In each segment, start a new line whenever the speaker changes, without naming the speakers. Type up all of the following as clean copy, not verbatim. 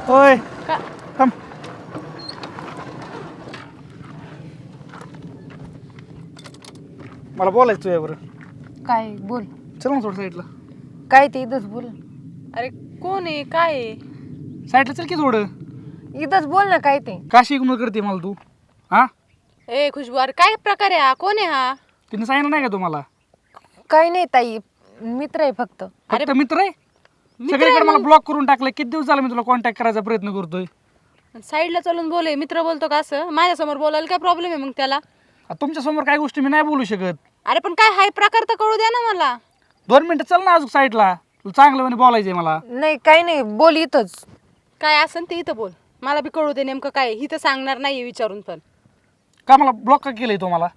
होय
का
थांब. मला बोलायचं तुझ्यावर.
काय बोल.
चल ना थोडं साईडला.
काय ते इथंच बोल.
अरे कोण आहे काय आहे?
साईडला चल की थोडं.
इथंच बोल ना काय ते.
काशी इग्नोर करते मला तू. हा
ए खुशबू, अरे काय प्रकार आहे हा? कोण आहे हा?
तिने सांगितलं नाही का तुम्हाला?
काय नाही ताई, मित्र आहे फक्त.
फक्त मित्र आहे.
मित्र
सगळीकडे
आहे
मला
मग?
ब्लॉक करून टाकलं. किती दिवस झाला मी तुला कॉन्टॅक्ट करायचा प्रयत्न करतोय.
साईडला चलून बोले, मित्र बोलतो का असं? माझ्यासमोर बोलायला काय प्रॉब्लेम आहे मग त्याला?
तुमच्या समोर काही गोष्टी मी नाही बोलू शकत.
अरे पण काय हाय प्रकार तर कळू द्या ना मला.
2 मिनिटं चल ना अजून साईडला. तुला चांगलं म्हणे बोलायचंय मला.
नाही काय नाही, बोल इथंच.
काय असन ते इथं बोल, मला बी कळू दे नेमकं काय. ही तर सांगणार नाहीये विचारून पण.
का मला ब्लॉक का केलंय तो मला?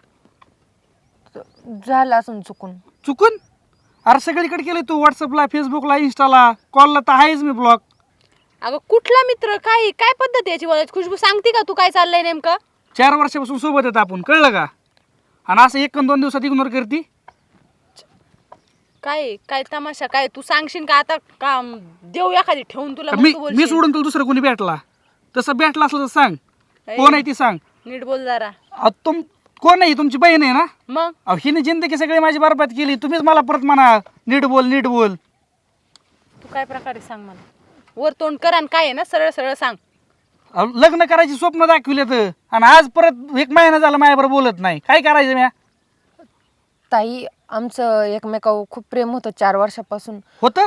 झालं असं चुकून.
चुकून? अरे सगळीकडे केलंय तू. व्हॉट्सअपला, फेसबुकला, इंस्टाला, कॉलला तर आहेच मी ब्लॉक.
अगं कुठला मित्र? काय काय पद्धत आहे याची बोलायची? खुशबू सांगते का तू काय चाललंय नेमकं?
4 वर्षापासून सोबत येत आपण, कळलं का? आणि असं 1-2 दिवसात इग्नोर करती.
काय काय तमाशा काय? तू सांगशील का आता का देऊ एखादी ठेवून तुला मग
मी
तू
मी
बोलशील?
सोडून तुला दुसरं कोणी भेटला तसं भेटला असलं तर सांग.
ए,
कोण आहे ती सांग.
नीट बोल जरा.
तुम कोण आहे? तुमची बहीण आहे ना?
मग
अहो हिने जिंदगी सगळी माझी बरबाद केली. तुम्हीच मला परत म्हणा नीट बोल नीट बोल.
तू काय प्रकारे सांग मला. वर तोंड कर आणि काय आहे ना सरळ सरळ सांग.
अहो, लग्न करायची स्वप्न दाखविले तर आणि आज परत 1 महिना झाला माझ्याबरोबर बोलत नाही. काय करायचं म्या?
ताई आमचं एकमेकावर खूप प्रेम होतं 4 वर्षापासून.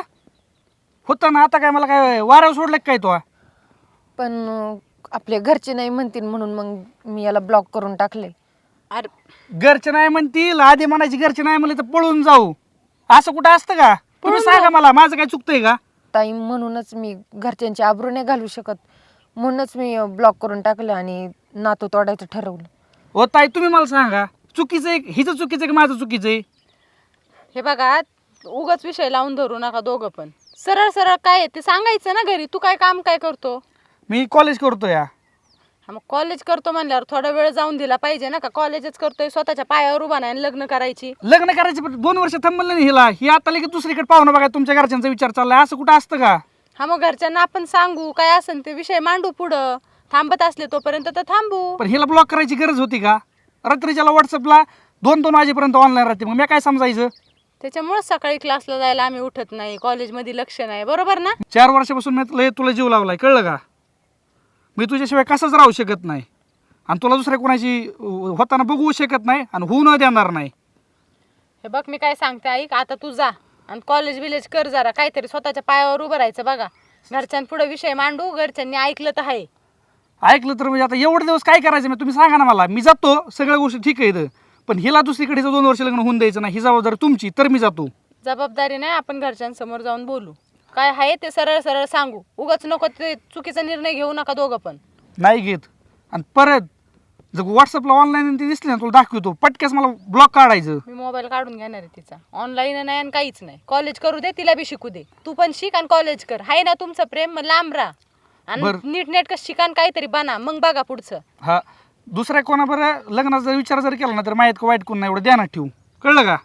होतं ना. आता काय मला काय वाऱ्यावर सोडलं का काय तो?
पण आपले घरचे नाही म्हणतील म्हणून मग मी याला ब्लॉक करून टाकले.
अरे
घरचे नाही म्हणतील, आधी म्हणायची घरचे नाही म्हणले तर पळून जाऊ. असं कुठं असतं का? तुम्ही सांगा मला, माझं काय चुकतंय का?
ताई म्हणूनच मी घरच्यांची आबरू नाही घालू शकत, म्हणूनच मी ब्लॉक करून टाकलं आणि नातं तोडायचं ठरवलं.
हो ताई तुम्ही मला सांगा, चुकीचं आहे हिचं चुकीचं आहे की माझं चुकीचं आहे?
हे बघा, उगाच विषय लावून धरू नका दोघं पण. सरळ सरळ काय आहे ते सांगायचं ना घरी. तू काय काम काय करतो?
मी कॉलेज करतो या.
हा मग कॉलेज करतो म्हणल्यावर थोडा वेळ जाऊन दिला पाहिजे ना. का कॉलेजच करतोय, स्वतःच्या पायावर उभा नाही आणि लग्न करायची?
लग्न करायचे पण 2 वर्ष थांबलं नाही हिला. ही आता लगेच दुसरीकडे पाहुणं बघा तुमच्या घरच्यांचा विचार चाललाय. असं कुठं असतं का?
हा मग घरच्यांना आपण सांगू, काय असेल ते विषय मांडू पुढं. थांबत असले तोपर्यंत तर थांबू.
पण हिला ब्लॉक करायची गरज होती का? रात्रीच्याला व्हॉट्सअपला 2-2 वाजेपर्यंत ऑनलाईन राहते. मग मी काय समजायचं?
त्याच्यामुळेच सकाळी क्लासला जायला आम्ही उठत नाही, कॉलेजमध्ये लक्ष नाही. बरोबर ना?
4 वर्षापासून मी तुला जीव लावलाय, कळलं का? मी तुझ्याशिवाय कसंच राहू शकत नाही आणि तुला दुसऱ्या कोणाची होताना बघू शकत नाही आणि होऊ न देणार नाही.
हे बघ मी काय सांगते ऐक. आता तू जा आणि कॉलेज विलेज कर जरा. काहीतरी स्वतःच्या पायावर उभं राहायचं बघा. घरच्यांपुढे विषय मांडू. घरच्यांनी ऐकलं तर आहे.
ऐकलं तर म्हणजे आता एवढे दिवस काय करायचं? मी तुम्ही सांगा ना मला. मी जातो, सगळ्या गोष्टी ठीक आहेत, पण हिला दुसरीकडे 2 वर्ष लग्न होऊन द्यायचं नाही. ही जबाबदारी तुमची, तर मी जातो.
जबाबदारी नाही, आपण घरच्यांसमोर जाऊन बोलू. काय आहे ते सरळ सरळ सांगू. उगाच नको ते चुकीचा निर्णय घेऊ नका दोघं पण.
नाही घेत. आणि परत जर व्हॉट्सअपला ऑनलाईन ते दिसले ना तुला दाखवतो, पटक्यास मला ब्लॉक काढायचं.
मी मोबाईल काढून घेणार आहे तिचा. ऑनलाईन नाही आणि काहीच नाही. कॉलेज करू दे, तिला बी शिकू दे. तू पण शिक आणि कॉलेज कर. आहे ना तुमचं प्रेम, मग लांब राहा आणि
बरं.
नीट नेटकं शिकान काहीतरी बना, मग बघा पुढचं.
हा दुसऱ्या कोणाबरोबर लग्नाचा जर विचार जर केला ना तर माहीत का वाईट कोण नाही एवढं ध्यानात ठेवू, कळलं का?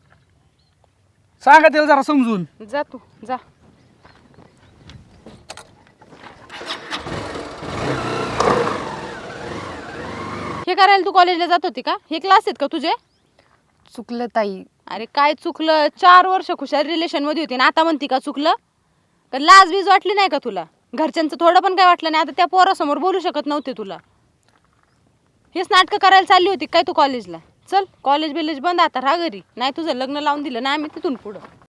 सांगा त्याला जरा समजून.
जा तू जा. हे करायला तू कॉलेजला जात होती का? हे क्लास आहेत का तुझे?
चुकलं ताई.
अरे काय चुकलं? 4 वर्ष खुशाल रिलेशन मध्ये होती ना आता म्हणती का चुकलं? का लाज बीज वाटली नाही का तुला? घरच्यांचं थोडं पण काय वाटलं नाही? आता त्या पोरासमोर बोलू शकत नव्हते तुला. हेच नाटकं करायला चालली होती काय तू कॉलेजला? चल कॉलेज बिलेज बंद, आता राहा घरी. नाही तुझं लग्न लावून दिलं ना आम्ही तिथून पुढं.